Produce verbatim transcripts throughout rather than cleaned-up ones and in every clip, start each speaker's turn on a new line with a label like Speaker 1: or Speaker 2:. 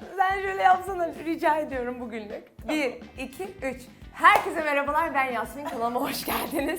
Speaker 1: Sen şöyle yapsana, rica ediyorum bugünlük. Bir, iki, üç. Herkese merhabalar, ben Yasmin. Kanalıma hoş geldiniz.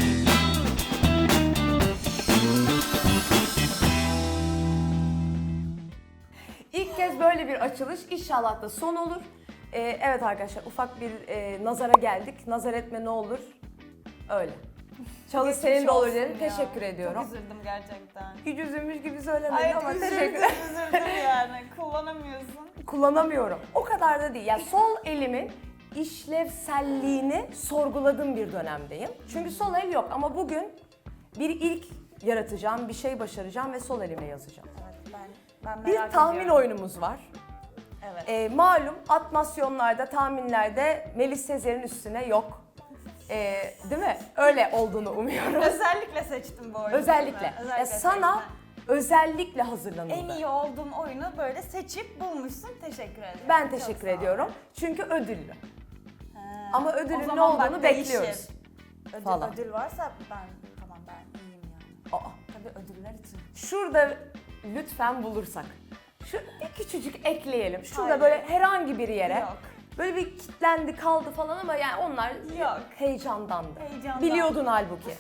Speaker 1: İlk kez böyle bir açılış, inşallah da son olur. Ee, evet arkadaşlar, ufak bir e, nazara geldik. Nazar etme ne olur, öyle. Çalış senin de olur dedim, teşekkür ediyorum.
Speaker 2: Çok üzüldüm gerçekten.
Speaker 1: Hiç üzülmüş gibi söylemedim
Speaker 2: Ay
Speaker 1: ama
Speaker 2: üzüldüm,
Speaker 1: teşekkür
Speaker 2: üzüldüm yani. Kullanamıyorsun.
Speaker 1: Kullanamıyorum. O kadar da değil. Yani sol elimin işlevselliğini sorguladığım bir dönemdeyim. Çünkü sol el yok ama bugün bir ilk yaratacağım, bir şey başaracağım ve sol elimle yazacağım.
Speaker 2: Evet, ben, ben
Speaker 1: Bir
Speaker 2: merak
Speaker 1: tahmin
Speaker 2: ediyorum.
Speaker 1: oyunumuz var.
Speaker 2: Evet.
Speaker 1: Ee, malum atmasyonlarda, tahminlerde Melis Sezer'in üstüne yok. Ee, değil mi? Öyle olduğunu umuyorum.
Speaker 2: Özellikle seçtim bu oyunu.
Speaker 1: Özellikle.
Speaker 2: Ben.
Speaker 1: Ya sana
Speaker 2: seçtim.
Speaker 1: özellikle hazırlanıldı.
Speaker 2: En iyi olduğum oyunu böyle seçip bulmuşsun. Teşekkür ederim.
Speaker 1: Ben
Speaker 2: Çok
Speaker 1: teşekkür
Speaker 2: sağ ol.
Speaker 1: ediyorum. Çünkü ödüllü.
Speaker 2: He.
Speaker 1: Ama
Speaker 2: O
Speaker 1: ödülün ne
Speaker 2: zaman bak
Speaker 1: olduğunu
Speaker 2: değişir.
Speaker 1: bekliyoruz.
Speaker 2: Ödül,
Speaker 1: Falan.
Speaker 2: ödül varsa ben tamam ben iyiyim yani.
Speaker 1: Aa,
Speaker 2: Tabii ödüller için.
Speaker 1: şurada lütfen bulursak. Şu bir küçücük ekleyelim. Şurada
Speaker 2: Hayır.
Speaker 1: böyle herhangi bir yere.
Speaker 2: Yok.
Speaker 1: Böyle bir kilitlendi kaldı falan ama yani onlar
Speaker 2: Yok.
Speaker 1: heyecandandı.
Speaker 2: Heyecandan.
Speaker 1: Biliyordun halbuki.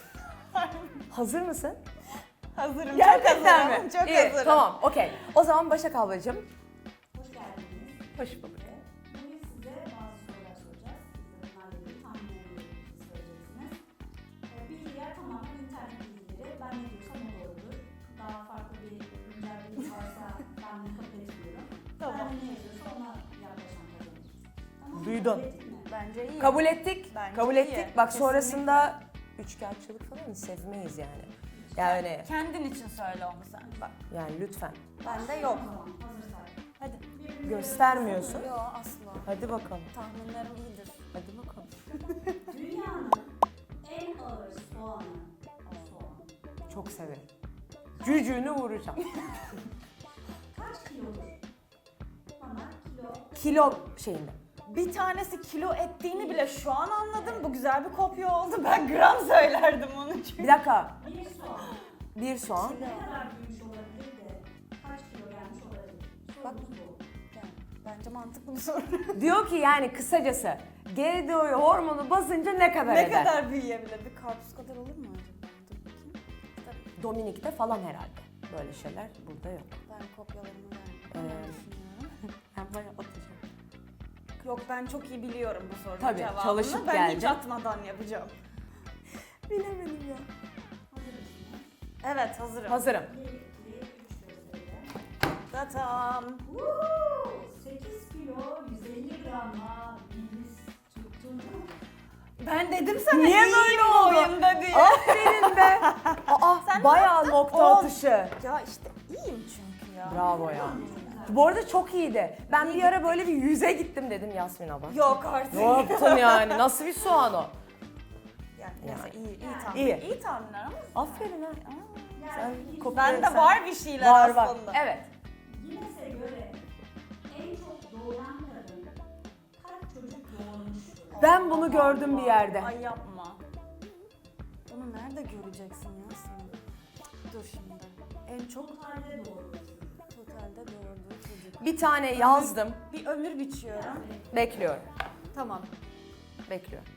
Speaker 1: Hazır mısın?
Speaker 2: Hazırım.
Speaker 1: Gerçekten
Speaker 2: çok hazırım.
Speaker 1: mi?
Speaker 2: Çok
Speaker 1: İyi,
Speaker 2: hazırım.
Speaker 1: tamam, okey. O zaman Başak ablacığım.
Speaker 3: Hoş geldiniz.
Speaker 1: Hoş bulduk.
Speaker 3: Bugün size bazı sorular soracağız. Siz de bunlarla ilgili tahminlerinizi söyleyeceksiniz. Ee, Bilgiler tamamen internet bilgileri. Ben ne diyorsam o doğrudur. Daha farklı bir güncel bilgi varsa ben bunu kabul etmiyorum.
Speaker 2: Tamam.
Speaker 3: Ben ne yazıyorsa ona yaklaşan kazanır. Tamam mı?
Speaker 1: Duydun.
Speaker 3: Kabul ettik mi?
Speaker 2: Bence iyi.
Speaker 1: Kabul ettik.
Speaker 2: Bence
Speaker 1: kabul
Speaker 2: iyi.
Speaker 1: ettik. Bak
Speaker 2: Kesinlikle.
Speaker 1: sonrasında üçkağıtçılık falan sevmeyiz yani. Yani
Speaker 2: Kendin için söyle onu sen. Bak.
Speaker 1: yani lütfen.
Speaker 2: Bende yok.
Speaker 3: Tamam, hazırsak.
Speaker 2: Hadi.
Speaker 1: Göstermiyorsun.
Speaker 2: Yok asla.
Speaker 1: Hadi bakalım.
Speaker 2: Tahminlerim iyidir.
Speaker 1: Hadi bakalım.
Speaker 3: Dünyanın en ağır soğanı. Soğan.
Speaker 1: Çok severim. Cücüğünü vuracağım.
Speaker 3: Kaç kilodur? Bana kilo.
Speaker 1: Kilo şeyinde.
Speaker 2: Bir tanesi kilo ettiğini bile şu an anladım. Bu güzel bir kopya oldu. Ben gram söylerdim onu çünkü.
Speaker 1: Bir dakika.
Speaker 3: Bir soğan.
Speaker 1: Bir soğan.
Speaker 3: Ne kadar büyümüş olabilir de kaç kilo gelmiş olabilir?
Speaker 2: Bak.
Speaker 3: Sorumuz bu.
Speaker 2: Yani bence mantıklı bir soru.
Speaker 1: Diyor ki yani kısacası G D O hormonu basınca ne kadar
Speaker 2: ne
Speaker 1: eder?
Speaker 2: kadar büyüyebilir? Bir karpuz kadar olur mu acaba? Dur bakayım. Tabii.
Speaker 1: Dominik'te falan herhalde. Böyle şeyler burada yok.
Speaker 2: Ben kopyalarımı verdim.
Speaker 1: Ee,
Speaker 2: Ben düşünüyorum.
Speaker 1: Ben bayağı atacağım.
Speaker 2: Yok ben çok iyi biliyorum bu sorunun
Speaker 1: Tabii,
Speaker 2: cevabını.
Speaker 1: çalışıp
Speaker 2: ben hiç
Speaker 1: geldin.
Speaker 2: atmadan yapacağım.
Speaker 1: Bilemedim ya.
Speaker 3: Hazır mısınız?
Speaker 2: Evet hazırım.
Speaker 1: Hazırım.
Speaker 3: bir, iki, üç gösterelim.
Speaker 2: Tatam.
Speaker 3: Woo! sekiz kilo yüz elli gramla Melis tuttu.
Speaker 2: Ben dedim sana
Speaker 1: Niye
Speaker 2: iyiyim
Speaker 1: böyle
Speaker 2: bu
Speaker 1: oldu?
Speaker 2: oyunda diye.
Speaker 1: Aferin be. Aa,
Speaker 2: Sen ne
Speaker 1: bayağı
Speaker 2: yaptın?
Speaker 1: nokta
Speaker 2: On.
Speaker 1: atışı.
Speaker 2: Ya işte iyiyim çünkü ya.
Speaker 1: Bravo ya. Bu arada çok iyiydi. Ben
Speaker 2: İyi
Speaker 1: bir ara böyle bir yüze gittim dedim Yasmin abla.
Speaker 2: Yok artık.
Speaker 1: Ne yaptın yani? Nasıl bir soğan o?
Speaker 2: Yani neyse
Speaker 1: Yani.
Speaker 2: iyi, iyi tahmin.
Speaker 1: İyi.
Speaker 2: İyi tahminler ama.
Speaker 1: Aferin ha.
Speaker 2: Aa,
Speaker 1: Sen
Speaker 3: Yani
Speaker 1: kopya-
Speaker 2: Bende var bir şeyler
Speaker 1: Var var.
Speaker 2: aslında.
Speaker 1: Evet.
Speaker 3: Guinness'e göre en çok doğuran kadın kaç çocuk doğurmuştur?
Speaker 1: Ben bunu gördüm bir yerde.
Speaker 2: Ay yapma. Bunu nerede göreceksin ya sen? Dur şimdi. En çok
Speaker 3: Totalde doğurmuş.
Speaker 2: totalde doğurduğu çocuk.
Speaker 1: Bir tane yazdım.
Speaker 2: Bir ömür biçiyorum.
Speaker 1: Bekliyorum.
Speaker 2: Tamam.
Speaker 1: Bekliyorum.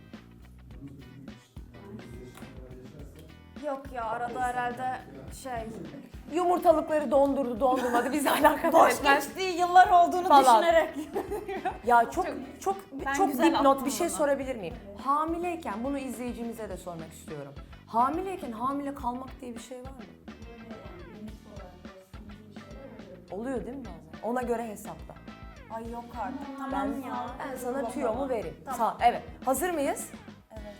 Speaker 2: Yok ya arada herhalde şey
Speaker 1: Yumurtalıkları dondurdu, dondurmadı. Bizi alakadar
Speaker 2: boş
Speaker 1: etmez.
Speaker 2: geçtiği yıllar olduğunu
Speaker 1: Falan.
Speaker 2: düşünerek.
Speaker 1: Ya çok çok
Speaker 2: Ben
Speaker 1: çok
Speaker 2: güzel
Speaker 1: dipnot
Speaker 2: attım
Speaker 1: bir şey
Speaker 2: bunu.
Speaker 1: sorabilir miyim? Hamileyken bunu izleyicimize de sormak istiyorum. Hamileyken hamile kalmak diye bir şey var mı?
Speaker 3: Böyle yani Guinness olarak böyle sıkıntılı şeyler oluyor.
Speaker 1: Oluyor değil mi bazen? Ona göre hesapla.
Speaker 2: Ay yok artık. Tamam
Speaker 1: Ben,
Speaker 2: ya.
Speaker 1: ben sana
Speaker 2: Bakalım.
Speaker 1: tüyomu vereyim.
Speaker 2: Tamam.
Speaker 1: Sağ, evet. Hazır mıyız?
Speaker 2: Evet.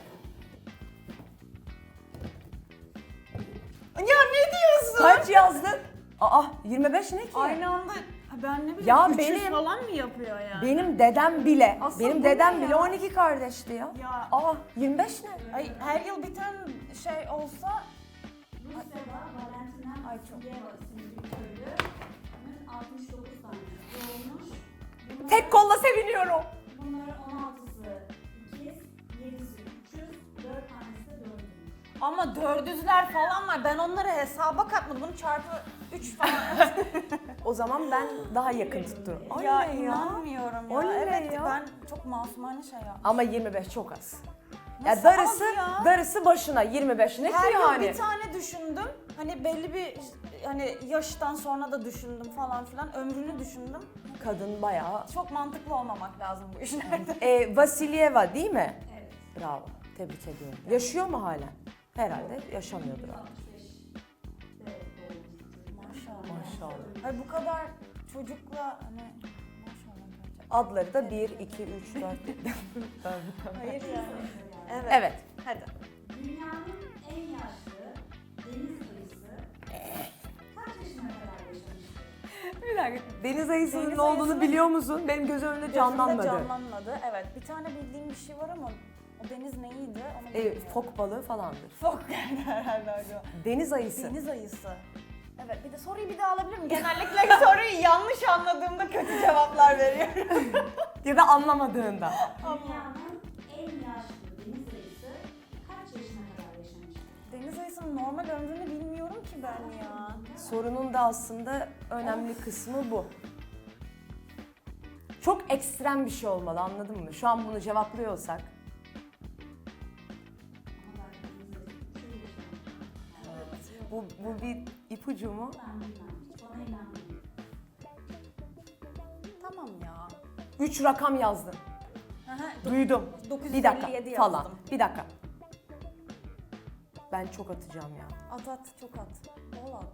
Speaker 2: Ya ne diyorsun?
Speaker 1: Kaç yazdın? Aa yirmi beş ne ki?
Speaker 2: Aynı anda ha ben ne bileyim
Speaker 1: Ya
Speaker 2: üç yüz
Speaker 1: benim-
Speaker 2: falan mı yapıyor yani?
Speaker 1: Benim dedem bile,
Speaker 2: Asıl
Speaker 1: benim
Speaker 2: bu
Speaker 1: dedem
Speaker 2: ne
Speaker 1: bile
Speaker 2: ya?
Speaker 1: on iki kardeşti ya.
Speaker 2: Ya
Speaker 1: Aa yirmi beş ne?
Speaker 2: ay her yıl biten şey olsa
Speaker 3: Rusya'da Valentina
Speaker 2: Ay, çok.
Speaker 3: Vasiliyeva isimli bir köylünün altmış dokuz tane doğmuş. Bunlar-
Speaker 1: Tek kolla seviniyorum.
Speaker 3: Bunların on altısı ikiz, yedisi üçüz, dört tanesi de dördüncü.
Speaker 2: ama dördüzler falan var. Ben onları hesaba katmadım. Bunu çarpı üç falan.
Speaker 1: O zaman ben daha yakın tutturum.
Speaker 2: Ya
Speaker 1: Oley ya.
Speaker 2: inanmıyorum ya.
Speaker 1: Oley
Speaker 2: evet
Speaker 1: ya.
Speaker 2: ben çok masumane şey yaptım.
Speaker 1: Ama yirmi beş çok az.
Speaker 2: Nasıl
Speaker 1: Ya darısı,
Speaker 2: az ya?
Speaker 1: darısı başına yirmi beş ne ki
Speaker 2: Her yıl
Speaker 1: yani?
Speaker 2: bir tane düşündüm. Hani belli bir hani yaştan sonra da düşündüm falan filan. Ömrünü düşündüm.
Speaker 1: Kadın bayağı.
Speaker 2: Çok mantıklı olmamak lazım bu işlerde.
Speaker 1: E, Vasilyeva değil mi?
Speaker 3: Evet.
Speaker 1: Bravo. Tebrik ediyorum. Yaşıyor mu hala? Herhalde yaşamıyordur abi.
Speaker 3: altmış beşte doğmuş.
Speaker 2: Maşallah.
Speaker 1: Maşallah.
Speaker 2: Hayır bu kadar çocukla hani maşallah gerçekten.
Speaker 1: Adları da bir, iki, üç, dört.
Speaker 2: Hayır yani. Evet.
Speaker 1: Evet.
Speaker 2: Hadi.
Speaker 3: Dünyanın en yaşlı deniz ayısı kaç yaşına kadar yaşamıştır?
Speaker 1: Bir dakika. Deniz ayısının
Speaker 2: Deniz
Speaker 1: ne olduğunu
Speaker 2: ayısının-
Speaker 1: biliyor musun? Benim gözüm önünde
Speaker 2: Gözümde
Speaker 1: canlanmadı.
Speaker 2: canlanmadı. Evet. Bir tane bildiğim bir şey var ama o deniz neydi? Onu
Speaker 1: E,
Speaker 2: bilmiyorum.
Speaker 1: fok balığı falandır.
Speaker 2: Fok yani herhalde acaba.
Speaker 1: Deniz ayısı.
Speaker 2: Deniz ayısı. Evet bir de soruyu bir daha alabilir miyim? Genellikle soruyu yanlış anladığımda kötü cevaplar veriyorum.
Speaker 1: Ya da anlamadığında.
Speaker 3: Dünyanın en yaşlı deniz ayısı kaç yaşına kadar yaşamıştır?
Speaker 2: Deniz ayısının normal ömrünü bilmiyorum ki ben ya.
Speaker 1: Sorunun da aslında önemli kısmı bu. Çok ekstrem bir şey olmalı, anladın mı? Şu an bunu cevaplıyorsak.
Speaker 3: Ama belki deniz ayısı çok yaşamış.
Speaker 1: Bu, bu bir ipucu mu?
Speaker 3: Ben bilmem. Hiç bana inanmayın.
Speaker 2: Tamam ya.
Speaker 1: Üç rakam yazdım.
Speaker 2: Aha,
Speaker 1: Duydum.
Speaker 2: dokuz yüz
Speaker 1: Bir dakika
Speaker 2: elli yedi
Speaker 1: falan.
Speaker 2: yazdım.
Speaker 1: Bir dakika. Ben çok atacağım ya.
Speaker 2: At at çok at. Bol at.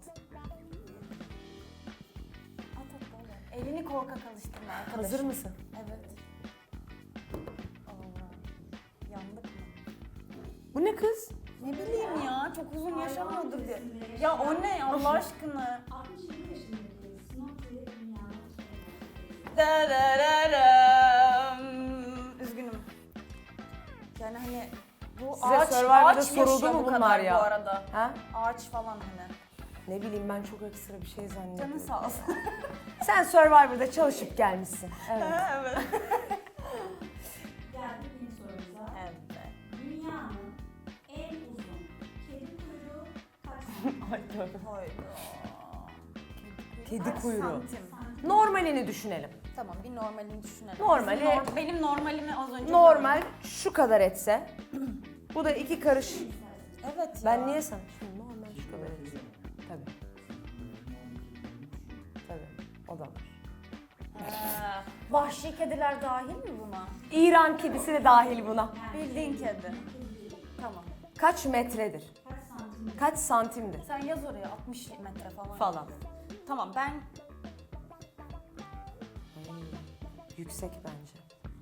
Speaker 2: At at bol at. Elini korkak alıştırma arkadaşım.
Speaker 1: Hazır mısın?
Speaker 2: Evet. Allah. Yandık mı?
Speaker 1: Bu ne kız?
Speaker 2: Ne bileyim ya çok uzun yaşamıyordur diye. Ya o ne Allah aşkına?
Speaker 3: altmış yedi yaşındaki Snoopy dünyanın en yaşlı
Speaker 2: Darararım. Üzgünüm. Yani hani bu
Speaker 1: Size
Speaker 2: ağaç,
Speaker 1: Survivor'da
Speaker 2: ağaç
Speaker 1: soruldu
Speaker 2: yaşıyor
Speaker 1: mu
Speaker 2: bu
Speaker 1: bunlar
Speaker 2: kadar
Speaker 1: ya?
Speaker 2: bu arada.
Speaker 1: Ha?
Speaker 2: Ağaç falan hani.
Speaker 1: Ne bileyim ben çok ekstra bir şey zannediyorum.
Speaker 2: Canın sağ olsun.
Speaker 1: Sen Survivor'da çalışıp gelmişsin. Evet.
Speaker 2: evet.
Speaker 3: Geldik yeni sorumuza.
Speaker 2: Evet.
Speaker 3: Dünyanın en uzun kedi kuyruğu kaç santim?
Speaker 2: Hayda.
Speaker 1: Kedi
Speaker 2: Kaç
Speaker 1: kuyruğu.
Speaker 2: santim?
Speaker 1: Normalini düşünelim.
Speaker 2: Tamam bir normalini düşünelim.
Speaker 1: Normali-
Speaker 2: Bizim nor- benim normalimi az önce
Speaker 1: Normal şu kadar etse. Bu da iki karış.
Speaker 2: gördüm. Evet ya.
Speaker 1: Ben niye sen? Şimdi normal şu kadar etse. Tabii. Tabii. O da var.
Speaker 2: Ha, vahşi kediler dahil mi buna?
Speaker 1: İran kedisi de dahil buna.
Speaker 2: Bildiğin kedi. Tamam.
Speaker 1: Kaç metredir?
Speaker 3: Kaç santim?
Speaker 1: Kaç santimdir?
Speaker 2: Sen yaz oraya altmış metre falan.
Speaker 1: Falan.
Speaker 2: Tamam ben
Speaker 1: Ay, yüksek bence.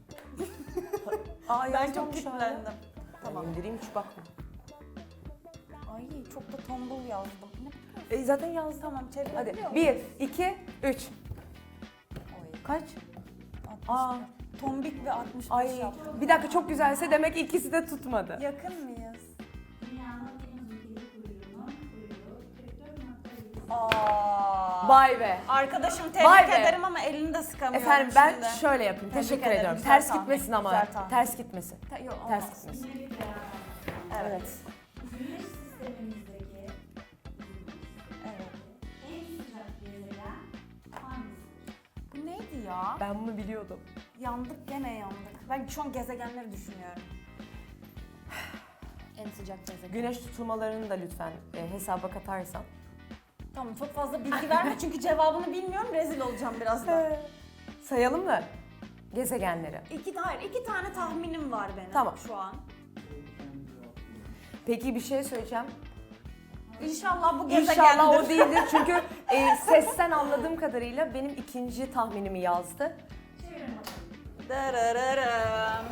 Speaker 1: Aa,
Speaker 2: ben
Speaker 1: yazmamış
Speaker 2: çok
Speaker 1: hala.
Speaker 2: kilitlendim.
Speaker 1: Tamam.
Speaker 2: Tamam.
Speaker 1: İndireyim hiç bakma.
Speaker 2: Ay çok da tombul yazdım. Ne?
Speaker 1: E, zaten yazdım.
Speaker 2: Tamam
Speaker 1: Hadi
Speaker 2: çevirebiliyor muyum?
Speaker 1: bir, iki, üç.
Speaker 2: Oy,
Speaker 1: Kaç?
Speaker 2: altmış.
Speaker 1: Aa.
Speaker 2: Tombik ve altmış beş
Speaker 1: Ay
Speaker 2: yaptım.
Speaker 1: bir dakika çok güzelse demek ki ikisi de tutmadı.
Speaker 2: Yakın mıyız?
Speaker 3: Dünyanın en uzun kedi kuyruğunun kuyruğu kırk dört nokta yedi.
Speaker 2: Aa.
Speaker 1: Vay be.
Speaker 2: Arkadaşım tebrik
Speaker 1: Vay be.
Speaker 2: ederim ama elini de sıkamıyorum
Speaker 1: Efendim ben
Speaker 2: şimdi.
Speaker 1: şöyle yapayım.
Speaker 2: Tebrik
Speaker 1: Teşekkür
Speaker 2: ederim,
Speaker 1: ediyorum.
Speaker 2: güzel
Speaker 1: Ters
Speaker 2: tahmin,
Speaker 1: gitmesin ama.
Speaker 2: güzel tahmin.
Speaker 1: Ters gitmesin.
Speaker 2: Ta- yok,
Speaker 1: Ters
Speaker 2: olmaz.
Speaker 1: gitmesin.
Speaker 3: Yine bir beraber.
Speaker 2: Evet.
Speaker 3: Güneş sistemimizdeki
Speaker 2: Evet.
Speaker 3: en sıcak gezegen hangisidir?
Speaker 2: Bu neydi ya?
Speaker 1: Ben bunu biliyordum.
Speaker 2: Yandık gene yandık. Ben şu an gezegenleri düşünüyorum. En sıcak gezegen.
Speaker 1: Güneş tutulmalarını da lütfen e, hesaba katarsan.
Speaker 2: Tamam çok fazla bilgi verme çünkü cevabını bilmiyorum rezil olacağım birazdan.
Speaker 1: Sayalım mı gezegenleri?
Speaker 2: İki, hayır iki tane tahminim var benim
Speaker 1: Tamam.
Speaker 2: şu an.
Speaker 1: Peki bir şey söyleyeceğim.
Speaker 2: İnşallah bu gezegendir.
Speaker 1: İnşallah o değildir çünkü e, sesten anladığım kadarıyla benim ikinci tahminimi yazdı.
Speaker 3: Çevirin bakalım.
Speaker 2: Darararım.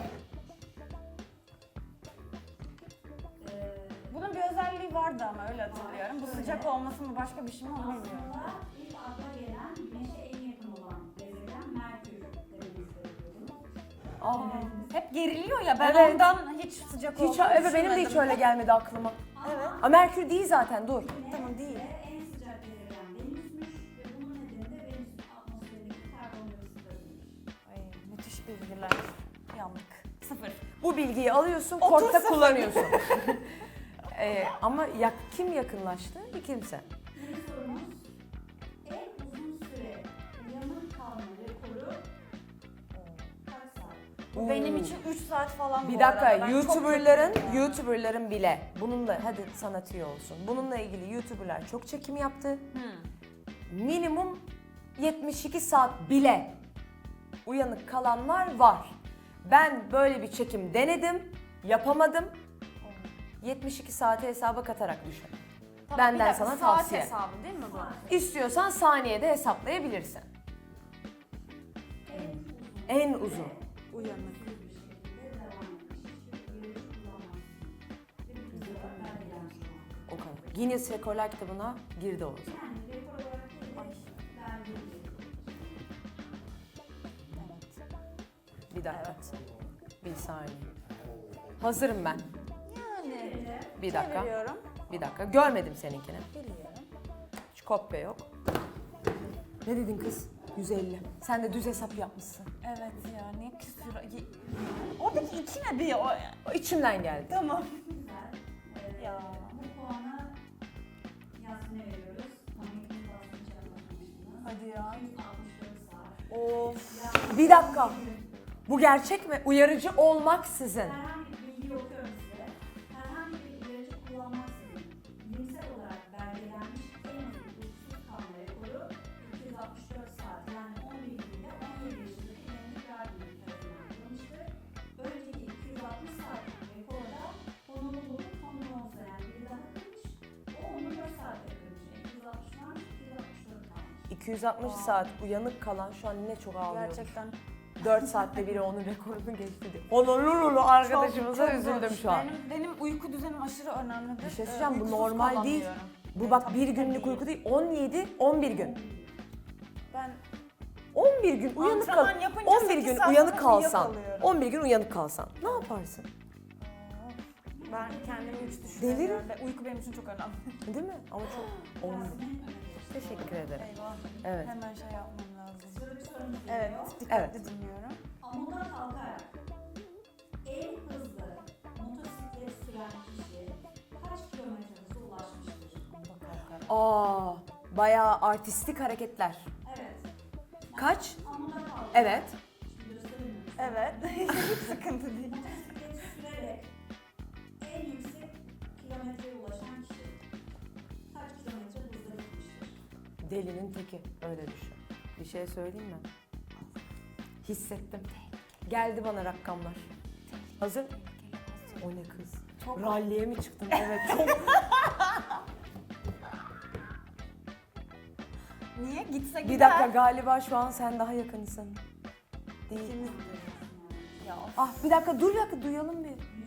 Speaker 3: Ee,
Speaker 2: Bunun bir özelliği vardı ama öyle hatırlıyorum. Bu sıcak olması mı başka bir şey mi onu bilmiyorum.
Speaker 3: aslında ilk akla gelen Güneş'e en yakın olan gezegen Merkür dememiz gerekiyordu.
Speaker 1: Aa.
Speaker 2: Hep geriliyor ya ben
Speaker 1: Evet.
Speaker 2: ondan hiç sıcak
Speaker 1: Hiç,
Speaker 2: olduğunu
Speaker 1: evet benim de hiç
Speaker 2: düşünmedim.
Speaker 1: öyle gelmedi aklıma.
Speaker 2: Evet.
Speaker 1: Aa, Merkür değil zaten dur.
Speaker 2: Tamam değil.
Speaker 3: Ve en sıcak gezegen Venüs'müş ve bunun nedeni de Venüs'ün atmosferindeki karbondioksit gazıdır.
Speaker 2: Ay, müthiş bilgiler. Yandık. Sıfır.
Speaker 1: Bu bilgiyi alıyorsun,
Speaker 2: Otur
Speaker 1: korkta
Speaker 2: sıfır.
Speaker 1: kullanıyorsun. Ee, ama ya, kim yakınlaştı? Bir kimse.
Speaker 3: Yeni sorumuz en uzun süre
Speaker 2: Bu benim için üç saat falan
Speaker 1: Bir
Speaker 2: bu
Speaker 1: dakika,
Speaker 2: arada. Ben çok
Speaker 1: YouTuber'ların,
Speaker 2: kötüyüm ya.
Speaker 1: YouTuber'ların bile bununla, hadi sana tüyo olsun. Bununla ilgili YouTuber'lar çok çekim yaptı. Minimum yetmiş iki saat bile uyanık kalanlar var. Ben böyle bir çekim denedim, yapamadım. yetmiş iki saati hesaba katarak düşün.
Speaker 2: Tamam,
Speaker 1: Benden
Speaker 2: bir dakika,
Speaker 1: sana
Speaker 2: saat
Speaker 1: tavsiye.
Speaker 2: hesabı değil mi bu?
Speaker 1: İstiyorsan saniyede hesaplayabilirsin. En uzun.
Speaker 2: Uyanık.
Speaker 1: O kadar. Guinness Rekorlar kitabına girdi o zaman. Bir dakika. Bir saniye. Hazırım ben.
Speaker 2: Yani
Speaker 1: Bir dakika.
Speaker 2: çeviriyorum.
Speaker 1: Bir dakika. Görmedim seninkini.
Speaker 2: Biliyorum.
Speaker 1: Hiç kopya yok. Ne dedin kız? yüz elli. Sen de düz hesap yapmışsın.
Speaker 2: Evet ya niye küsür... Ye- Oradaki iki ne bir o...
Speaker 1: O içimden geldi.
Speaker 2: Tamam.
Speaker 3: Güzel.
Speaker 2: Ya.
Speaker 3: Bu puanı Yasmin'e veriyoruz. Pamuk'un basını çalmamışsınız.
Speaker 2: Hadi ya.
Speaker 3: yüz altmış dört saat.
Speaker 2: Of.
Speaker 1: Bir dakika. Bu gerçek mi? Uyarıcı olmaksızın.
Speaker 3: Herhangi bir bilgi okuyorum size. Herhangi bir uyarıcı kullanmaksızın bilimsel olarak belgelenmiş en uzun uykusuz kalma rekoru iki yüz altmış dört saat yani on bir günde on yedi yaşındaki Emre Gardner tarafından yapılmıştır. Önceki iki yüz altmış saatlik rekorda Honolulu'nun Tom Jones'a yani biri daha kırmış. O on dört saatte kırmış. iki yüz altmış varmış, iki yüz altmış dört kalmış.
Speaker 1: iki yüz altmış saat uyanık kalan şu an ne çok ağlıyor.
Speaker 2: Gerçekten
Speaker 1: dört saatte biri onun rekorunu geçti diye. Honolulu arkadaşımıza
Speaker 2: çok
Speaker 1: üzüldüm
Speaker 2: zor.
Speaker 1: şu an.
Speaker 2: Benim, benim uyku düzenim aşırı önemlidir.
Speaker 1: Bir şey
Speaker 2: Ee,
Speaker 1: söyleyeceğim, bu
Speaker 2: uykusuz
Speaker 1: normal değil.
Speaker 2: kalamıyorum.
Speaker 1: Bu
Speaker 2: Evet,
Speaker 1: bak
Speaker 2: tabii
Speaker 1: bir
Speaker 2: ki de
Speaker 1: günlük uyku değil, on yedi on bir gün.
Speaker 2: Ben
Speaker 1: on bir gün uyanık kal.
Speaker 2: Antrenman yapınca
Speaker 1: on bir
Speaker 2: sekiz
Speaker 1: gün
Speaker 2: saat
Speaker 1: uyanık
Speaker 2: sonra
Speaker 1: kalsan.
Speaker 2: uyuyakalıyorum.
Speaker 1: on bir gün uyanık kalsan. Ne yaparsın?
Speaker 2: ben kendimi hiç düşünüyorum.
Speaker 1: Delirim.
Speaker 2: Ve uyku benim için çok önemli.
Speaker 1: Değil mi? Ama çok olmuyor. Teşekkür ederim.
Speaker 2: Eyvah.
Speaker 1: Evet.
Speaker 2: Hemen şey yapmam lazım.
Speaker 3: Şöyle bir sorumuz
Speaker 2: Evet,
Speaker 3: geliyor.
Speaker 2: dikkatli
Speaker 1: Evet.
Speaker 2: dinliyorum.
Speaker 3: Amuda kalkarak en hızlı motosiklet süren kişi kaç kilometre hıza ulaşmıştır?
Speaker 1: Aa, bayağı artistik hareketler.
Speaker 3: Evet.
Speaker 1: Kaç?
Speaker 3: Amuda kalkarak.
Speaker 1: Evet.
Speaker 3: Şimdi göstereyim.
Speaker 2: Evet. Hiç sıkıntı değil.
Speaker 3: Motosiklet sürerek en yüksek kilometreye ulaşan kişi kaç kilometre hızla gitmiştir?
Speaker 1: Delinin teki. Öyle düşün. Bir şey söyleyeyim mi? Hissettim. Geldi bana rakamlar. Hazır? O ne kız?
Speaker 2: Çok-
Speaker 1: Ralliye mi çıktın? Evet çok.
Speaker 2: Niye? Gitse gider.
Speaker 1: Bir dakika, galiba şu an sen daha yakınsın. Değil.
Speaker 2: İkimiz de. Ya of.
Speaker 1: Ah bir dakika, dur bir dakika, duyalım bir.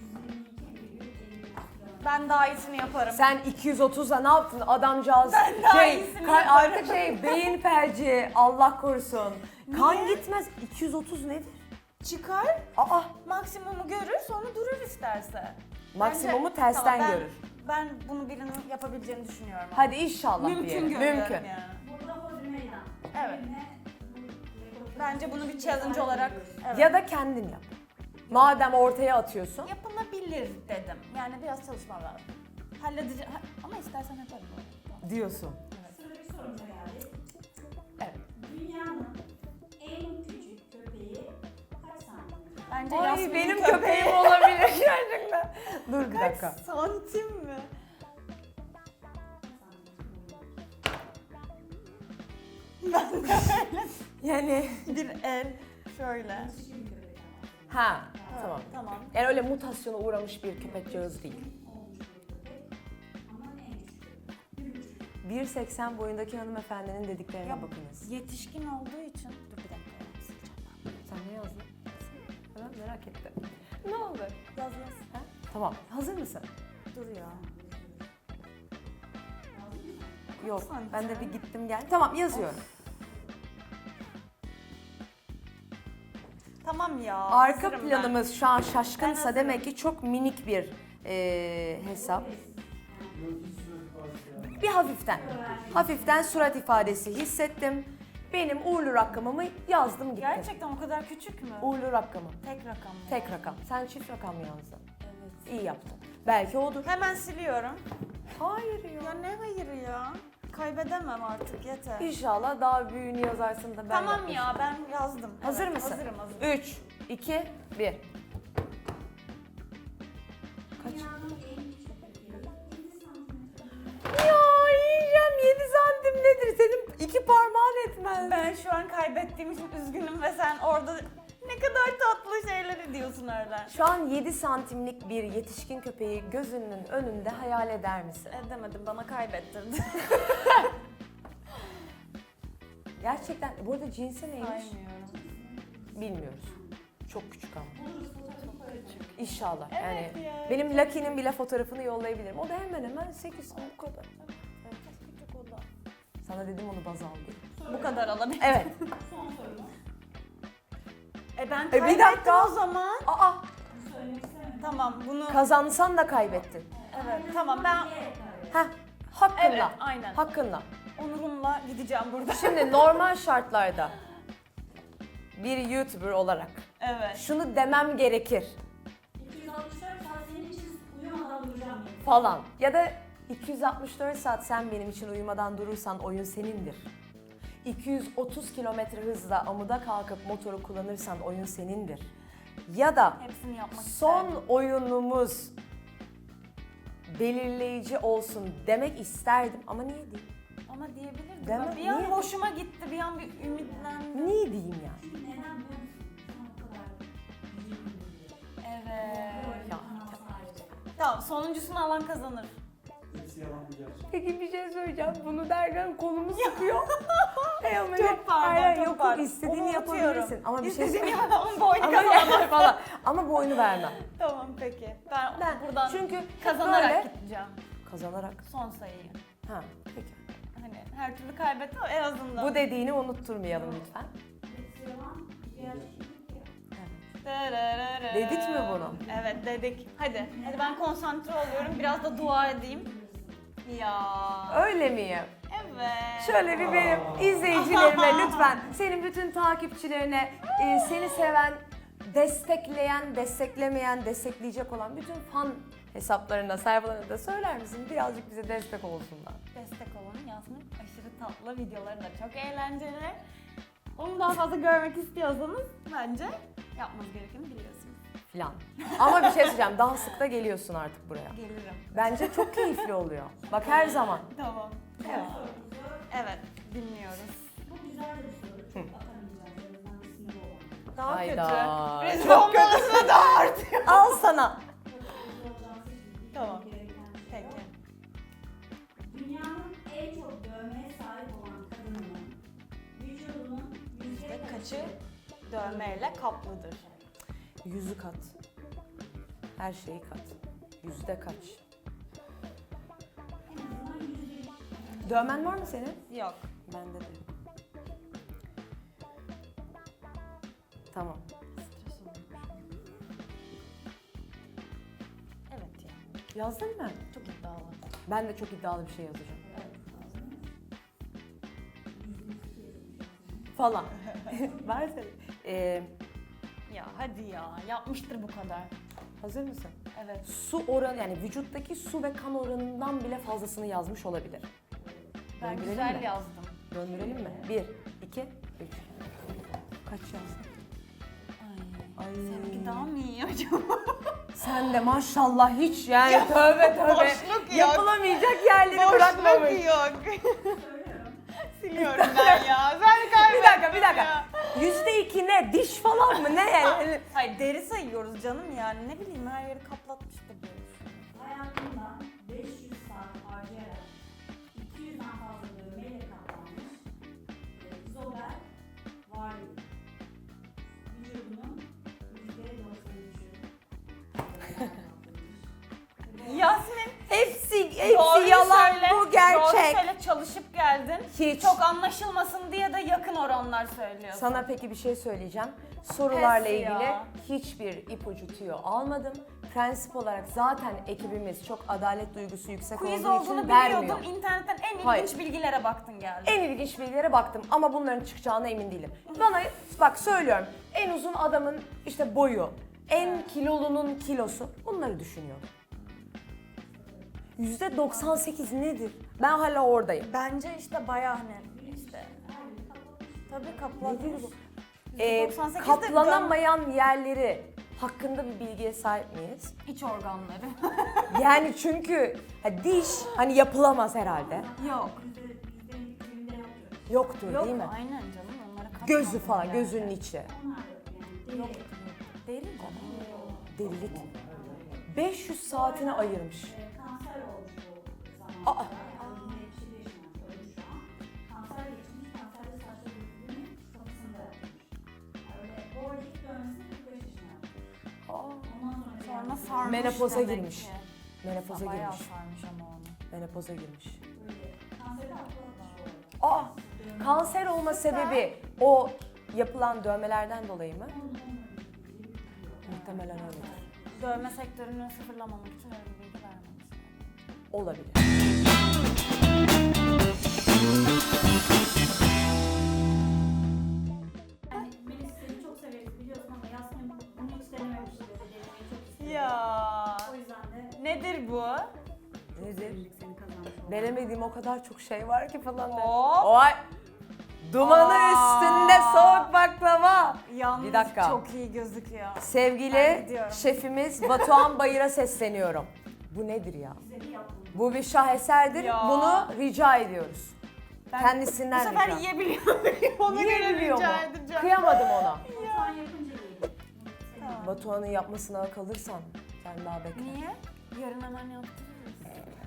Speaker 2: Ben daha iyisini yaparım.
Speaker 1: Sen iki yüz otuzla ne yaptın adamcağız?
Speaker 2: Ben daha
Speaker 1: şey,
Speaker 2: iyisini
Speaker 1: kay-
Speaker 2: yaparım.
Speaker 1: artık şey beyin felci, Allah korusun. Kan gitmez. iki yüz otuz nedir?
Speaker 2: Çıkar,
Speaker 1: Aa,
Speaker 2: maksimumu görür, sonra durur isterse.
Speaker 1: maksimumu
Speaker 2: Bence-
Speaker 1: tersten
Speaker 2: tamam, ben-
Speaker 1: görür.
Speaker 2: Ben bunu birinin yapabileceğini düşünüyorum.
Speaker 1: Hadi inşallah
Speaker 2: Mümkün
Speaker 1: diyelim.
Speaker 2: görüyorum
Speaker 1: Mümkün.
Speaker 2: yani.
Speaker 3: Burada hodri meydan.
Speaker 2: Evet.
Speaker 3: Birine bu rekoru-
Speaker 2: Bence bunu bir challenge olarak evet.
Speaker 1: Ya da kendin yap. Madem ortaya atıyorsun.
Speaker 2: yapılabilir dedim. Yani biraz çalışmam lazım. Halledeceğim ama istersen yaparım.
Speaker 1: Diyorsun.
Speaker 3: Sıradaki sorumuza geldik.
Speaker 1: Evet.
Speaker 3: Dünyanın en küçük köpeği kaç santim?
Speaker 2: Bence
Speaker 1: Ay
Speaker 2: Yasmin'in
Speaker 1: benim
Speaker 2: köpeği.
Speaker 1: köpeğim olabilir gerçekten. Dur bir
Speaker 2: Kaç
Speaker 1: dakika.
Speaker 2: santim mi? Ben de
Speaker 1: Yani
Speaker 2: bir el şöyle.
Speaker 3: Küçük bir köpek ama.
Speaker 1: ha tamam.
Speaker 2: Tamam.
Speaker 1: Yani öyle mutasyona uğramış bir köpekcağız değil.
Speaker 3: Olmuş bir köpek. Ama en küçük köpek. Bir buçuk.
Speaker 1: bir seksen boyundaki hanımefendinin dediklerine
Speaker 2: Ya,
Speaker 1: bakınız.
Speaker 2: Yetişkin olduğu için. Dur bir dakika. Sileceğim
Speaker 1: Sen ne yazdın? Ben merak ettim. Ne oldu?
Speaker 2: ben. Yaz yaz.
Speaker 1: Ha? Tamam. Hazır mısın?
Speaker 2: Dur ya.
Speaker 1: Yok.
Speaker 2: santim?
Speaker 1: Ben de bir gittim gel. Tamam yazıyorum.
Speaker 2: Tamam ya.
Speaker 1: Arka
Speaker 2: hazırım
Speaker 1: planımız şu an
Speaker 2: Ben
Speaker 1: şaşkınsa
Speaker 2: hazırım.
Speaker 1: demek ki çok minik bir eee, hesap. Bir hafiften. Hafiften surat ifadesi hissettim. Benim uğurlu rakamımı yazdım
Speaker 2: ben.
Speaker 1: gittim.
Speaker 2: Gerçekten o kadar küçük mü?
Speaker 1: Uğurlu rakamı.
Speaker 2: Tek rakam mı?
Speaker 1: Tek rakam. Sen çift rakam yazdın.
Speaker 2: Evet.
Speaker 1: İyi yaptın. Belki odur.
Speaker 2: Hemen siliyorum.
Speaker 1: Hayır ya.
Speaker 2: Ya ne hayır ya? Kaybedemem artık yeter.
Speaker 1: İnşallah daha büyüğünü yazarsın da ben
Speaker 2: Tamam
Speaker 1: yapayım.
Speaker 2: ya ben yazdım.
Speaker 1: Hazır
Speaker 2: Evet,
Speaker 1: mısın?
Speaker 2: Hazırım hazırım.
Speaker 1: üç, iki, bir. Kaç?
Speaker 3: Dünyanın en küçük köpeği yedi santimetre.
Speaker 1: Ya yiyeceğim, yedi santim nedir? Senin iki parmağın etmez.
Speaker 2: Ben şu an kaybettiğim için üzgünüm ve sen orada ne kadar tatlı şeyler diyorsun öyle.
Speaker 1: Şu an yedi santimlik bir yetişkin köpeği gözünün önünde hayal eder misin?
Speaker 2: Edemedim, bana kaybettirdin.
Speaker 1: Gerçekten, bu arada cinsi neymiş?
Speaker 2: Saymıyorum.
Speaker 1: Bilmiyoruz. Çok küçük ama.
Speaker 3: Buluruz fotoğrafı koyarız.
Speaker 1: İnşallah.
Speaker 2: Evet
Speaker 1: yani
Speaker 2: ya.
Speaker 1: benim Lucky'nin bile fotoğrafını yollayabilirim. O da hemen hemen sekiz bu kadar.
Speaker 2: Küçük o da.
Speaker 1: Sana dedim onu baz al diye.
Speaker 2: Bu kadar alabilir.
Speaker 1: Evet.
Speaker 3: Son sorumuz.
Speaker 2: E ben
Speaker 1: bir
Speaker 2: kaybettim
Speaker 1: dakika.
Speaker 2: o zaman.
Speaker 1: Aa,
Speaker 3: Bunu söylemek istemedim.
Speaker 2: Tamam bunu.
Speaker 1: kazansan da kaybettin.
Speaker 2: Evet tamam ben.
Speaker 3: Diyerek kaybettim.
Speaker 1: Heh, hakkınla.
Speaker 2: Evet aynen.
Speaker 1: Hakkınla.
Speaker 2: Onurumla gideceğim burada.
Speaker 1: Şimdi normal şartlarda bir YouTuber olarak
Speaker 2: Evet.
Speaker 1: şunu demem gerekir
Speaker 3: iki yüz altmış dört saat senin için uyumadan duracağım. yani.
Speaker 1: falan. Ya da iki yüz altmış dört saat sen benim için uyumadan durursan oyun senindir. iki yüz otuz kilometre hızla amuda kalkıp motoru kullanırsan oyun senindir. Ya da
Speaker 2: Hepsini yapmak
Speaker 1: son
Speaker 2: isterdim.
Speaker 1: oyunumuz belirleyici olsun demek isterdim ama niye değil?
Speaker 2: Ama diyebilirdim.
Speaker 1: Deme,
Speaker 2: Bak, bir an
Speaker 1: niye?
Speaker 2: hoşuma gitti, bir an bir ümitlendim.
Speaker 1: Niye diyeyim yani?
Speaker 3: Çünkü neden biliyor musun? Sana o kadar üzüldüm diye.
Speaker 2: Evet.
Speaker 3: Böyle bir
Speaker 1: Ya,
Speaker 3: kanal sahibi.
Speaker 2: Tamam sonuncusunu alan kazanır.
Speaker 4: Hepsi yalan bir gerçek.
Speaker 1: Peki bir şey söyleyeceğim. Bunu derken kolumu sıkıyor. Hey ama
Speaker 2: Çok
Speaker 1: ne-
Speaker 2: pardon,
Speaker 1: Hayır,
Speaker 2: çok
Speaker 1: yok,
Speaker 2: pardon.
Speaker 1: istediğini
Speaker 2: Onu unutuyorum.
Speaker 1: yapabilirsin. Ama bir şey
Speaker 2: İstediğini
Speaker 1: söyleyeyim.
Speaker 2: yapamam, boynu
Speaker 1: Ama
Speaker 2: kazanamam.
Speaker 1: yani falan. Ama bu oyunu vermem.
Speaker 2: Tamam peki. Ben,
Speaker 1: Ben
Speaker 2: buradan
Speaker 1: çünkü
Speaker 2: kazanarak
Speaker 1: böyle-
Speaker 2: gideceğim.
Speaker 1: Kazanarak.
Speaker 2: Son sayıyı.
Speaker 1: Ha, peki.
Speaker 2: Hani her türlü kaybettim ama en azından.
Speaker 1: Bu dediğini unutturmayalım lütfen.
Speaker 3: Hepsi yalan, gerçeklik ya.
Speaker 1: Evet. Dedik mi bunu?
Speaker 2: Evet dedik. Hadi. Hadi ben konsantre oluyorum. Biraz da dua edeyim. Ya.
Speaker 1: Öyle miyim?
Speaker 2: Evet.
Speaker 1: Şöyle bir benim izleyicilerime lütfen, senin bütün takipçilerine, e, seni seven, destekleyen, desteklemeyen, destekleyecek olan bütün fan hesaplarına, sayfalarına da söyler misin? Birazcık bize destek olsunlar.
Speaker 2: Destek olun. Yasmin aşırı tatlı, videoları da çok eğlenceli. Onu daha fazla görmek istiyorsanız bence yapmanız gerekeni biliyorsunuz.
Speaker 1: Filan. Ama bir şey söyleyeceğim, daha sık da geliyorsun artık buraya.
Speaker 2: Gelirim.
Speaker 1: Bence çok keyifli oluyor. Bak her zaman.
Speaker 2: Tamam.
Speaker 1: Evet.
Speaker 2: Evet, dinliyoruz.
Speaker 3: Bu güzel de bir soru. Çok atamayacağız. En azından bir sınırı olan.
Speaker 2: Daha
Speaker 1: Hayda.
Speaker 2: kötü. Rezil
Speaker 1: Çok
Speaker 2: olmalısın daha artıyor.
Speaker 1: Al sana.
Speaker 3: Çok hızlı olacağını seçildik.
Speaker 2: Tamam.
Speaker 3: Gereken şey
Speaker 2: Peki.
Speaker 3: o. Dünyanın en çok dövmeye sahip olan kadının vücudunun yüzde
Speaker 2: Yüzde
Speaker 3: kaçı
Speaker 2: kaçı dövmeyle kaplıdır?
Speaker 1: Yüzü kat. Her şeyi kat. Yüzde kaç?
Speaker 3: en azından yüzde
Speaker 1: Dövmen var mı senin?
Speaker 2: Yok.
Speaker 1: Bende de. Tamam.
Speaker 2: Evet ya.
Speaker 1: Yazdın mı?
Speaker 2: Çok iddialı.
Speaker 1: Ben de çok iddialı bir şey yazacağım. Falan. Versene. Ee,
Speaker 2: Ya hadi ya. Yapmıştır bu kadar.
Speaker 1: hazır mısın?
Speaker 2: Evet.
Speaker 1: Su oranı, yani vücuttaki su ve kan oranından bile fazlasını yazmış olabilir.
Speaker 2: Ben
Speaker 1: Döndürelim
Speaker 2: güzel
Speaker 1: mi?
Speaker 2: yazdım.
Speaker 1: Döndürelim mi? Bir, iki, üç. Kaç yazdın?
Speaker 2: Ay.
Speaker 1: Ay.
Speaker 2: Seninki daha mı iyi acaba?
Speaker 1: Sen de maşallah hiç yani tövbe tövbe.
Speaker 2: boşluk yok.
Speaker 1: Yapılamayacak yerleri bırakmamış.
Speaker 2: yok. Siliyorum ben ya. Sen kaybettin
Speaker 1: Bir dakika, bir dakika.
Speaker 2: ya.
Speaker 1: Yüzde iki ne? Diş falan mı? Ne yani?
Speaker 2: Hayır deri sayıyoruz canım yani. Ne bileyim her yeri kaplatmıştır diye düşünüyorum.
Speaker 3: hayatından beş yüz saat harcayarak iki yüzden fazla dövmeyle kaplanmış e, Zobel Varley. Vücudunun yüzde doksan üçü.
Speaker 2: Yasmin
Speaker 1: Hepsi, hepsi
Speaker 2: doğruyu
Speaker 1: yalan,
Speaker 2: söyle.
Speaker 1: bu gerçek.
Speaker 2: Doğru söyle, çalışıp geldin.
Speaker 1: Hiç.
Speaker 2: Çok anlaşılmasın diye de yakın oranlar söylüyorsun.
Speaker 1: Sana peki bir şey söyleyeceğim. Sorularla
Speaker 2: Pes
Speaker 1: ilgili
Speaker 2: ya.
Speaker 1: hiçbir ipucu tüyo almadım. Prensip olarak zaten ekibimiz çok adalet duygusu yüksek
Speaker 2: Quiz
Speaker 1: olduğu
Speaker 2: olduğunu
Speaker 1: için vermiyor.
Speaker 2: biliyordum. İnternetten en ilginç
Speaker 1: Hayır.
Speaker 2: bilgilere baktın geldin.
Speaker 1: En ilginç bilgilere baktım ama bunların çıkacağına emin değilim. Bana bak söylüyorum, en uzun adamın işte boyu, en kilolunun kilosu, bunları düşünüyorum. yüzde doksan sekiz nedir? Ben hala oradayım.
Speaker 2: Bence işte bayağı hani işte. Tabii kapladı.
Speaker 1: Nedir bu?
Speaker 2: yüzde
Speaker 1: Ee,
Speaker 2: doksan sekiz de
Speaker 1: katlanamayan yerleri hakkında bir bilgiye sahip miyiz?
Speaker 2: iç organları.
Speaker 1: Yani çünkü ha, diş hani yapılamaz herhalde.
Speaker 2: Yok.
Speaker 1: Yoktur
Speaker 2: Yok
Speaker 1: değil mi?
Speaker 2: aynen canım onlara katmadım
Speaker 1: Gözü falan,
Speaker 2: yani.
Speaker 1: gözünün içi.
Speaker 2: Yok. Deri canım.
Speaker 1: Delilik. beş yüz saatini ayırmış.
Speaker 3: Kanser olmuş bu
Speaker 1: Aa.
Speaker 3: zamanda. Yani yetmiş yedi yaşında ölmüş şu an. Kanser geçmiş, kanserde saçları döküldüğünü kafasında yapmış. Öyle bu arada ilk dönmesini kırk beş yaşında yapmış.
Speaker 1: Aa,
Speaker 3: Ondan sonra
Speaker 2: Sonra
Speaker 3: yani
Speaker 2: sarmış
Speaker 1: Menopoza
Speaker 2: demek
Speaker 1: girmiş.
Speaker 2: ki.
Speaker 1: Menopoza
Speaker 2: Bayağı
Speaker 1: girmiş.
Speaker 2: sarmış ama onu.
Speaker 1: Menopoza girmiş.
Speaker 3: böyle kanseri atlatmış bu arada.
Speaker 1: Aa, kanser olma sebebi o yapılan dövmelerden dolayı mı? Muhtemelen öyledir.
Speaker 2: Dövme sektörünü sıfırlamamak için öyle bir bilgi vermemiş.
Speaker 1: Olabilir.
Speaker 3: Yani Melis seni çok severiz biliyorsun ama Yasmin bunu hiç denememişti. Denemeyi çok istiyor.
Speaker 2: Ya.
Speaker 3: O yüzden de
Speaker 2: Nedir bu?
Speaker 1: Nedir?
Speaker 3: seni kazanmış oldu.
Speaker 1: Denemediğim o kadar çok şey var ki falan. der.
Speaker 2: Hop.
Speaker 1: Oy! Dumanı
Speaker 2: Aa.
Speaker 1: üstünde soğuk baklava.
Speaker 2: Yalnız
Speaker 1: Bir dakika.
Speaker 2: çok iyi gözüküyor. Ben
Speaker 1: Sevgili
Speaker 2: gidiyorum.
Speaker 1: şefimiz Batuhan Bayır'a sesleniyorum. Bu nedir ya?
Speaker 3: Güzeli yaptın.
Speaker 1: Bu bir şaheserdir.
Speaker 2: Ya.
Speaker 1: Bunu rica ediyoruz.
Speaker 2: Ben
Speaker 1: Kendisinden
Speaker 2: bu sefer
Speaker 1: rica.
Speaker 2: yiyebiliyor muyum? Ona göre
Speaker 1: Yiyebiliyor mu?
Speaker 2: rica edeceğim.
Speaker 1: Kıyamadım ona.
Speaker 3: Mutfağın yapınca yedim.
Speaker 2: Tamam.
Speaker 1: Batuhan'ın yapmasına kalırsan sen daha bekle.
Speaker 2: Niye? Yarın hemen yaptırırız.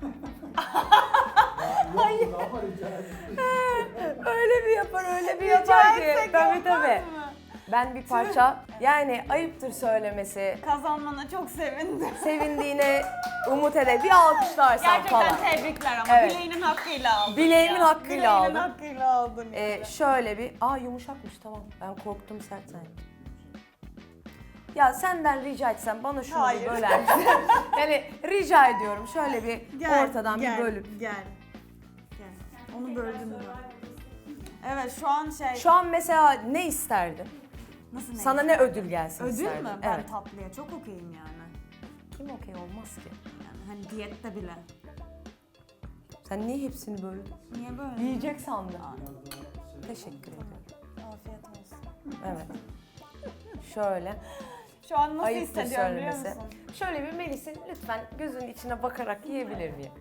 Speaker 4: Hayır. Yok, daha rica ederim.
Speaker 1: Öyle bir yapar, öyle bir
Speaker 2: Rica
Speaker 1: yapar ki.
Speaker 2: etsek
Speaker 1: Tabii
Speaker 2: olmaz
Speaker 1: tabii.
Speaker 2: mı?
Speaker 1: Ben bir parça, yani ayıptır söylemesi,
Speaker 2: Kazanmana çok sevindim.
Speaker 1: sevindiğine umut ede bir alkışlarsan
Speaker 2: Gerçekten
Speaker 1: falan.
Speaker 2: tebrikler ama
Speaker 1: Evet.
Speaker 2: bileğinin hakkıyla aldın.
Speaker 1: Bileğimin
Speaker 2: ya.
Speaker 1: hakkıyla
Speaker 2: Bileğinin
Speaker 1: aldım.
Speaker 2: hakkıyla aldın.
Speaker 1: Ee,
Speaker 2: yani.
Speaker 1: şöyle bir, aa yumuşakmış tamam. Ben korktum sert zannettim. Ya senden rica etsem bana şunu
Speaker 2: Hayır.
Speaker 1: bir böler misin? Yani rica ediyorum şöyle bir ortadan bir bölüp.
Speaker 2: Gel. Gel. Onu böldüm mü? Evet şu an şey.
Speaker 1: Şu an mesela ne isterdin?
Speaker 2: Nasıl ne?
Speaker 1: Sana ne ödül gelsin
Speaker 2: Ödül
Speaker 1: isterdin?
Speaker 2: mü? Ben
Speaker 1: Evet.
Speaker 2: tatlıya çok okeyim yani.
Speaker 1: Kim okey olmaz ki?
Speaker 2: Yani hani diyette bile.
Speaker 1: Sen niye hepsini böldün?
Speaker 2: Niye böyle?
Speaker 1: Yiyecek sandım.
Speaker 4: Biraz daha şey-
Speaker 1: Teşekkür ederim.
Speaker 2: Afiyet olsun.
Speaker 1: Evet. Şöyle.
Speaker 2: Şu an nasıl
Speaker 1: Ayıptır
Speaker 2: hissediyorum biliyor
Speaker 1: söylemesi.
Speaker 2: musun?
Speaker 1: Şöyle bir Melis'in lütfen gözünün içine bakarak yiyebilir miyim?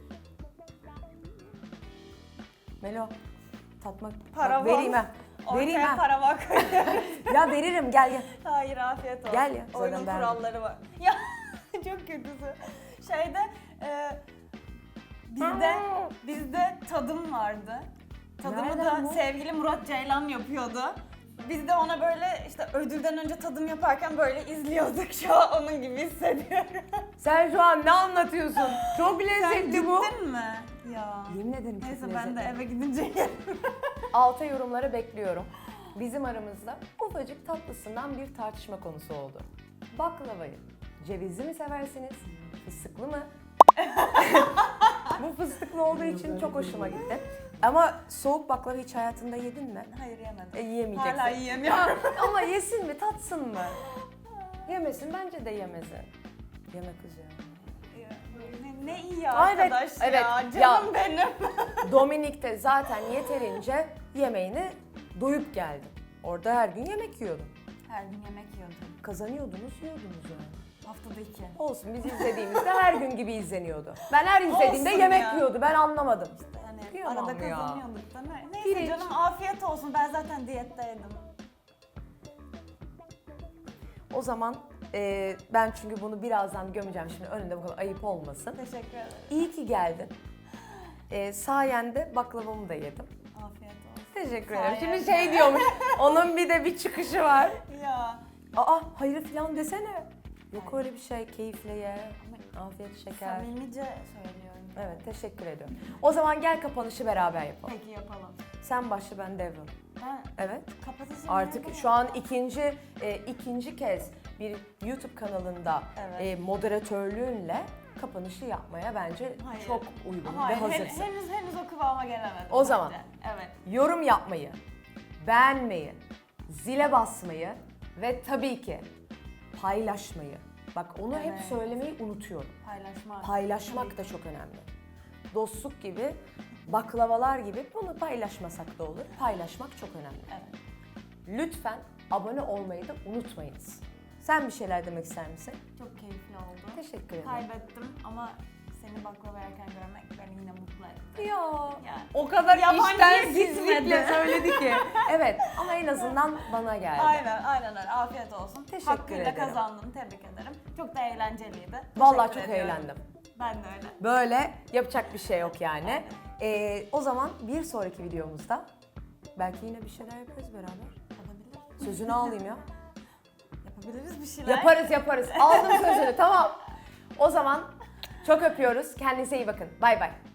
Speaker 1: Melo, tatmak
Speaker 2: Para
Speaker 1: bak, vereyim
Speaker 2: var.
Speaker 1: ha. Vereyim
Speaker 2: Ortaya
Speaker 1: ha.
Speaker 2: para bak.
Speaker 1: Ya veririm gel gel.
Speaker 2: Hayır afiyet olsun.
Speaker 1: Gel ya, zaten
Speaker 2: Oyunun
Speaker 1: ben-
Speaker 2: kuralları var. Ya çok kötüsü. Şeyde e, bizde bizde tadım vardı. Tadımı
Speaker 1: Nereden
Speaker 2: da
Speaker 1: bu?
Speaker 2: sevgili Murat Ceylan yapıyordu. Biz de ona böyle işte ödülden önce tadım yaparken böyle izliyorduk. Şu an onun gibi hissediyorum.
Speaker 1: Sen şu an ne anlatıyorsun? Çok
Speaker 2: Sen
Speaker 1: lezzetli bu.
Speaker 2: gittin mi? Ya.
Speaker 1: Yemin ederim çok
Speaker 2: Neyse
Speaker 1: lezzetli.
Speaker 2: ben de eve gidince yerim.
Speaker 1: Alta yorumları bekliyorum. Bizim aramızda ufacık tatlısından bir tartışma konusu oldu. Baklavayı cevizli mi seversiniz, fıstıklı mı? Bu fıstıklı olduğu için çok hoşuma gitti. Ama soğuk baklava hiç hayatında yedin mi?
Speaker 2: Hayır yemedim.
Speaker 1: E, yiyemeyeceksin.
Speaker 2: Hala yiyemiyorum.
Speaker 1: Ama yesin mi, tatsın mı? Yemesin, bence de yemesin. Yeme kız ya.
Speaker 2: Ne, ne iyi ya
Speaker 1: Aa, evet,
Speaker 2: arkadaş
Speaker 1: evet.
Speaker 2: ya.
Speaker 1: Ya.
Speaker 2: Canım benim.
Speaker 1: Dominik'te zaten yeterince yemeğini doyup geldin. Orada her gün yemek yiyordun.
Speaker 2: Her gün yemek yiyordum.
Speaker 1: Kazanıyordunuz, yiyordunuz yani.
Speaker 2: Haftada iki.
Speaker 1: Olsun biz izlediğimizde her gün gibi izleniyordu. Ben her izlediğimde
Speaker 2: Olsun
Speaker 1: yemek
Speaker 2: ya.
Speaker 1: yiyordu. Ben anlamadım.
Speaker 2: Yani
Speaker 1: Kıyamam
Speaker 2: arada
Speaker 1: ya.
Speaker 2: kazanıyorduk da ne? Neyse
Speaker 1: Pirinç.
Speaker 2: canım afiyet olsun. Ben zaten diyetteydim.
Speaker 1: O zaman e, ben çünkü bunu birazdan gömeceğim şimdi önünde bu kadar ayıp olmasın.
Speaker 2: Teşekkür ederim.
Speaker 1: İyi ki geldin. E, sayende baklavamı da yedim.
Speaker 2: Afiyet olsun.
Speaker 1: Teşekkür ederim.
Speaker 2: Sayende.
Speaker 1: Şimdi şey diyormuş, onun bir de bir çıkışı var.
Speaker 2: Ya.
Speaker 1: Aa hayır falan desene. Yok öyle bir şey, keyifle ye. Afiyet şeker.
Speaker 2: Samimice söylüyorum.
Speaker 1: Evet teşekkür ediyorum. O zaman gel kapanışı beraber yapalım.
Speaker 2: Peki yapalım.
Speaker 1: Sen başla ben devrim.
Speaker 2: Ben
Speaker 1: Evet.
Speaker 2: kapatacağım.
Speaker 1: Artık şu an ikinci e, ikinci kez bir YouTube kanalında
Speaker 2: Evet.
Speaker 1: e, moderatörlüğünle kapanışı yapmaya bence
Speaker 2: Hayır.
Speaker 1: çok uygun
Speaker 2: Hayır,
Speaker 1: ve
Speaker 2: hen-
Speaker 1: hazırsın.
Speaker 2: henüz henüz o kıvama gelemedim.
Speaker 1: O zaman.
Speaker 2: bence. Evet.
Speaker 1: Yorum yapmayı, beğenmeyi, zile basmayı ve tabii ki paylaşmayı. Bak onu hep
Speaker 2: Evet.
Speaker 1: söylemeyi unutuyorum.
Speaker 2: Paylaşmak.
Speaker 1: Paylaşmak
Speaker 2: Tabii
Speaker 1: da çok önemli. Dostluk gibi baklavalar gibi bunu paylaşmasak da olur. Paylaşmak çok önemli.
Speaker 2: Evet.
Speaker 1: Lütfen abone olmayı da unutmayınız. Sen bir şeyler demek ister misin?
Speaker 2: Çok keyifli oldu.
Speaker 1: Teşekkür ederim.
Speaker 2: Kaybettim ama seni baklava yerken görmek beni yine mutlu etti.
Speaker 1: Ya
Speaker 2: Yani
Speaker 1: o kadar
Speaker 2: yabancıya
Speaker 1: iştensizlikle
Speaker 2: gitmedi.
Speaker 1: söyledi ki. Evet ama en azından bana geldi.
Speaker 2: Aynen, aynen öyle. Afiyet olsun.
Speaker 1: Teşekkür
Speaker 2: Hakkıyla
Speaker 1: ederim.
Speaker 2: kazandın. Tebrik ederim. Çok da eğlenceliydi.
Speaker 1: Vallahi
Speaker 2: Teşekkür
Speaker 1: çok
Speaker 2: ediyorum.
Speaker 1: eğlendim.
Speaker 2: Ben de öyle.
Speaker 1: Böyle yapacak bir şey yok yani. Ee, o zaman bir sonraki videomuzda belki yine bir şeyler yaparız beraber.
Speaker 2: Olabilir.
Speaker 1: Sözünü alayım ya.
Speaker 2: Yapabiliriz bir şeyler.
Speaker 1: Yaparız yaparız. Aldım sözünü tamam. O zaman çok öpüyoruz. Kendinize iyi bakın. Bay bay.